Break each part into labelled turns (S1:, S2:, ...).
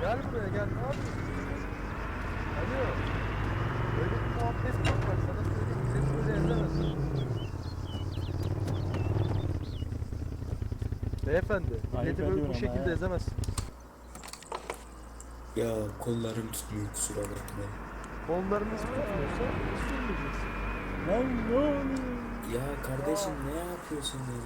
S1: Gel buraya gel. Ne yapıyorsun? Alo. Öyle bir muhabbet yok bak sana söyleyeyim. Seni böyle ezemezsin. Beyefendi,
S2: Ayıp
S1: milleti böyle bu
S2: ediyorsun ama
S1: şekilde
S2: he.
S1: ezemezsin.
S3: Ya kollarım tutmuyor kusura bakma.
S1: Kollarınız tutmuyorsa sürmeyeceksin.
S2: Lan ne oluyor?
S3: Ya kardeşim ne yapıyorsun ya?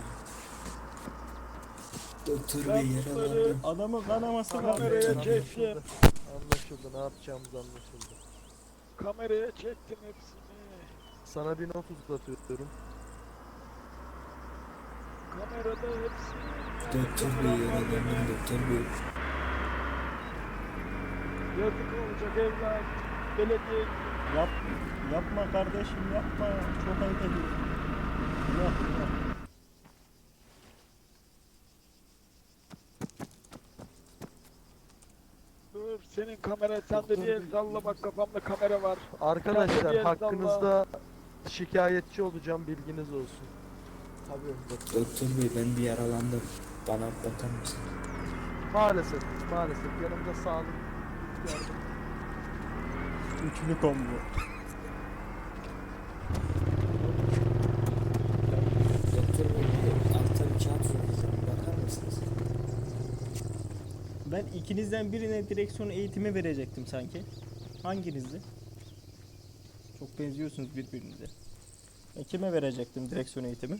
S3: Doktor
S2: Ben
S3: bey
S2: bunları
S3: yaralandım.
S2: adamın kanaması
S1: Tamam,
S2: var.
S1: kameraya
S2: Anlaşıldı.
S1: çekeceğim. Anlaşıldı. Ne yapacağımız anlaşıldı.
S4: Kameraya çektim hepsini.
S1: Sana bir not uzatıyorum.
S4: Kamerada hepsini.
S3: Doktor bey yaralandım doktor bey.
S4: Yazık olacak evlat. Belediye
S2: Yap, yapma kardeşim yapma. Çok ayıp ediyorsun. Yok yok.
S4: dur. Senin kamera sende değil. Salla bak kafamda kamera var.
S1: Arkadaşlar
S4: Kendini
S1: hakkınızda şikayetçi olacağım, bilginiz olsun.
S4: Tabii.
S3: Doktor bey ben bir yaralandım. Bana bakar mısın?
S1: Maalesef, maalesef yanımda sağlık yardım.
S2: Üçlü combo.
S3: Doktor bey altta bir kağıt soracağım. Bakar mısınız?
S2: Ben ikinizden birine direksiyon eğitimi verecektim sanki. Hanginizdi? Çok benziyorsunuz birbirinize. Ben kime verecektim direksiyon eğitimi?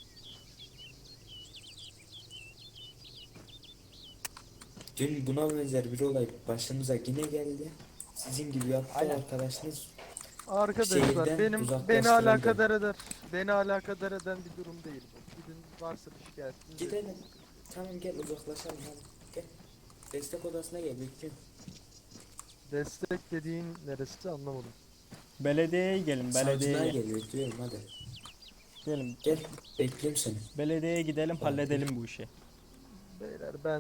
S3: Dün buna benzer bir olay başımıza yine geldi. Sizin gibi yaptı arkadaşınız.
S1: Arkadaşlar
S3: Şehirden
S1: beni
S3: uzaklaştırıldı.
S1: alakadar eder. Beni alakadar eden bir durum değil bu. Gidin varsa bir şikayetiniz.
S3: Gidelim. Tamam gel uzaklaşalım hadi. Gel. Destek odasına gel bekliyorum.
S1: Destek dediğin neresi anlamadım.
S2: Belediyeye gelin,
S3: Savcılığa
S2: belediyeye.
S3: geliyor diyorum hadi.
S2: Gelin.
S3: Gel bekliyorum seni.
S2: Belediyeye gidelim, halledelim bu işi.
S1: Beyler ben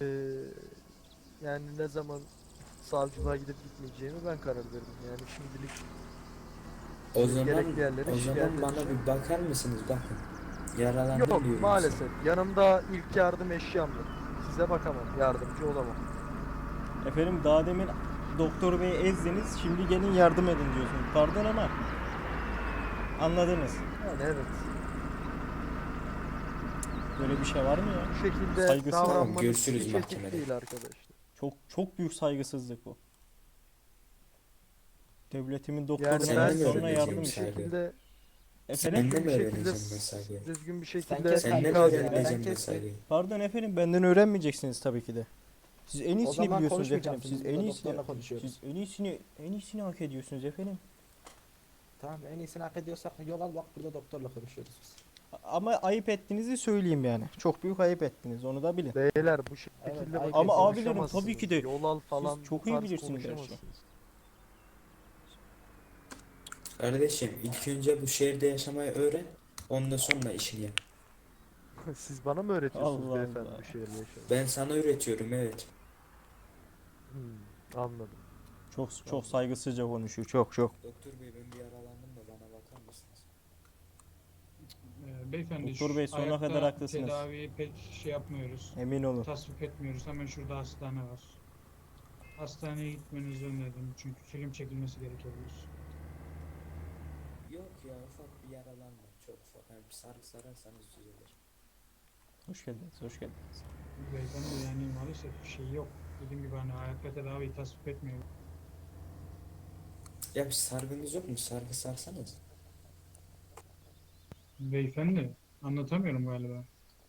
S1: yani ne zaman savcılığa gidip gitmeyeceğimi ben karar veririm. Yani şimdilik
S3: O zaman
S1: gerekli yerlere
S3: o
S1: şikayet
S3: zaman bana
S1: edeceğim.
S3: bir bakar mısınız bakın. Yaralandım
S1: Yok
S3: diyorum
S1: maalesef. Yanımda ilk yardım eşyam yok. Size bakamam, yardımcı olamam.
S2: Efendim daha demin doktor beyi ezdiniz, şimdi gelin yardım edin diyorsunuz. Pardon ama anladınız.
S1: Yani evet.
S2: Böyle bir şey var mı ya?
S1: Bu şekilde
S2: Saygısız.
S3: Tamam,
S1: davranmanız
S3: görüşürüz
S1: hiç etik
S3: mahkemede.
S1: değil arkadaşlar.
S2: Çok büyük saygısızlık bu. Devletimin
S1: Yani
S2: doktorundan
S1: ben
S3: Sen de mi
S2: sonra
S3: öğreneceksin
S2: yardım
S1: bir
S2: istiyorum.
S3: saygı?
S1: şekilde
S2: Efendim?
S3: Sen de mi
S1: bir şekilde
S3: öğreneceksin mesajı?
S1: düzgün bir
S5: Sen
S1: şekilde
S5: kes
S3: Sen de mi
S5: Biraz ya,
S3: öğreneceksin
S5: ben kestim.
S3: mesajı?
S2: Pardon efendim, benden öğrenmeyeceksiniz tabii ki de. Siz en
S5: O
S2: iyisini
S5: zaman
S2: biliyorsunuz efendim.
S5: konuşmayacaksın.
S2: Siz
S5: Biz
S2: en
S5: burada
S2: iyisini
S5: doktorla konuşuyoruz.
S2: siz en iyisini hak ediyorsunuz efendim.
S5: Tamam, en iyisini hak ediyorsak yol al, bak burada doktorla konuşuyoruz biz.
S2: Ama ayıp ettiğinizi söyleyeyim yani. Çok büyük ayıp ettiniz, onu da bilin.
S1: beyler bu şekilde
S5: Evet,
S1: bakın
S2: ama abilerim
S1: konuşamazsınız.
S2: tabii ki de
S1: Yol al falan
S2: çok
S1: bu
S2: iyi
S1: tarz
S2: bilirsiniz her şeyi.
S1: konuşamazsınız.
S3: Kardeşim ilk önce bu şehirde yaşamayı öğren. Ondan sonra işini yap.
S1: Siz bana mı öğretiyorsunuz
S2: Allah
S1: beyefendi
S2: Allah.
S1: bu şehirde yaşamayı?
S3: Ben sana öğretiyorum evet.
S1: Anladım.
S2: Çok saygısızca konuşuyor. Çok.
S3: Doktor bey ben bir yaralandım da bana bakar mısınız?
S6: Beyefendi
S2: Doktor
S6: şu
S2: Bey, sonuna
S6: ayakta
S2: kadar haklısınız.
S6: Tedaviyi pek şey yapmıyoruz.
S2: Emin olun.
S6: Tasvip etmiyoruz. Hemen şurada hastane var. Hastaneye gitmenizi öneririm çünkü film çekilmesi gerekebilir.
S3: Yok ya ufak bir yaralanma çok ufak. Yani bir sargı sararsanız düzelir.
S2: Hoş geldiniz, hoş geldiniz.
S6: Beyefendi yani maalesef şey yok. Dediğim gibi hani ayakta tedaviyi tasvip etmiyoruz.
S3: Ya bir sargınız yok mu? Sargı sarsanız.
S6: Beyefendi anlatamıyorum galiba.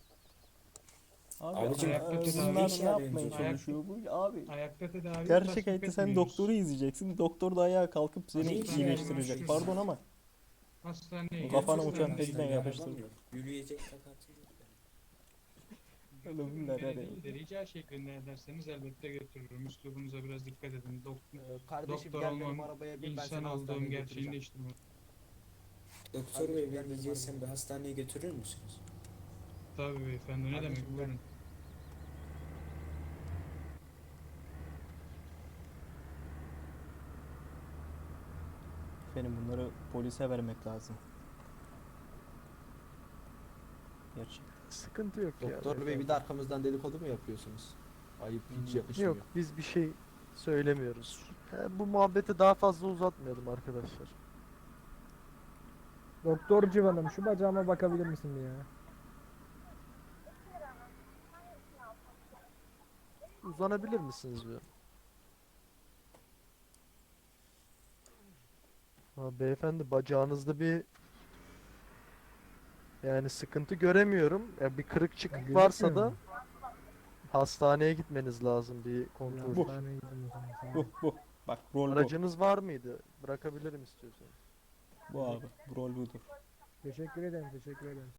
S2: Abi,
S3: Abicim,
S6: ayakta tedavi
S2: bunlar
S3: iş
S2: ne yapmaya
S3: yapıyorsunuz
S2: çalışıyor bu? Abi,
S6: Ayakta tedaviyi
S2: gerçek
S6: tasvip
S2: hayatta sen
S6: etmiyoruz.
S2: doktoru izleyeceksin. Doktor da ayağa kalkıp seni
S3: Hiç
S2: iyileştirecek.
S6: yani.
S2: Pardon ama.
S6: Hastaneye
S2: Kafana
S6: gidin,
S2: uçan
S6: hastaneye
S2: tekten
S6: gidin.
S2: yapıştır.
S3: Arabam yok. Yürüyecek takatım yok.
S2: Oğlum bunlar
S6: Beni de rica şeklinde ederseniz elbette götürürüm. Üslubunuza biraz dikkat edin.
S5: Kardeşim
S6: Doktor
S5: gel benim
S6: olmam,
S5: arabaya bin, ben
S6: insan
S5: seni
S6: olduğum
S5: hastaneye
S6: gerçeğini
S5: götüreceğim.
S6: değiştirmez.
S3: Doktor bey
S5: Kardeşim,
S3: ben
S5: gel
S3: diyeceksem
S5: benim
S3: bir hastaneye götürür müsünüz?
S6: Tabii beyefendi, ne
S5: Kardeşim,
S6: demek
S5: gel.
S6: buyurun.
S2: Efendim bunları polise vermek lazım. Gerçek.
S1: Sıkıntı yok ya.
S5: Doktor bey bir de arkamızdan dedikodu mu yapıyorsunuz? Ayıp hiç yakışmıyor.
S1: Yok biz bir şey söylemiyoruz. Bu muhabbeti daha fazla uzatmayalım arkadaşlar.
S7: Doktor Civan'ım şu bacağıma bakabilir misin bir ya?
S1: Uzanabilir misiniz bir? Beyefendi bacağınızda bir yani sıkıntı göremiyorum. Bir kırık çıkık varsa da
S7: Gözükmüyor mu?
S1: hastaneye gitmeniz lazım bir kontrol.
S2: Bu.
S7: Hastaneye gidelim o zaman. Sağ ol.
S2: Bu. Bak rol bu.
S1: Aracınız var mıydı? Bırakabilirim istiyorsanız.
S2: Bu abi. Rol budur.
S7: Teşekkür ederim, teşekkür ederim.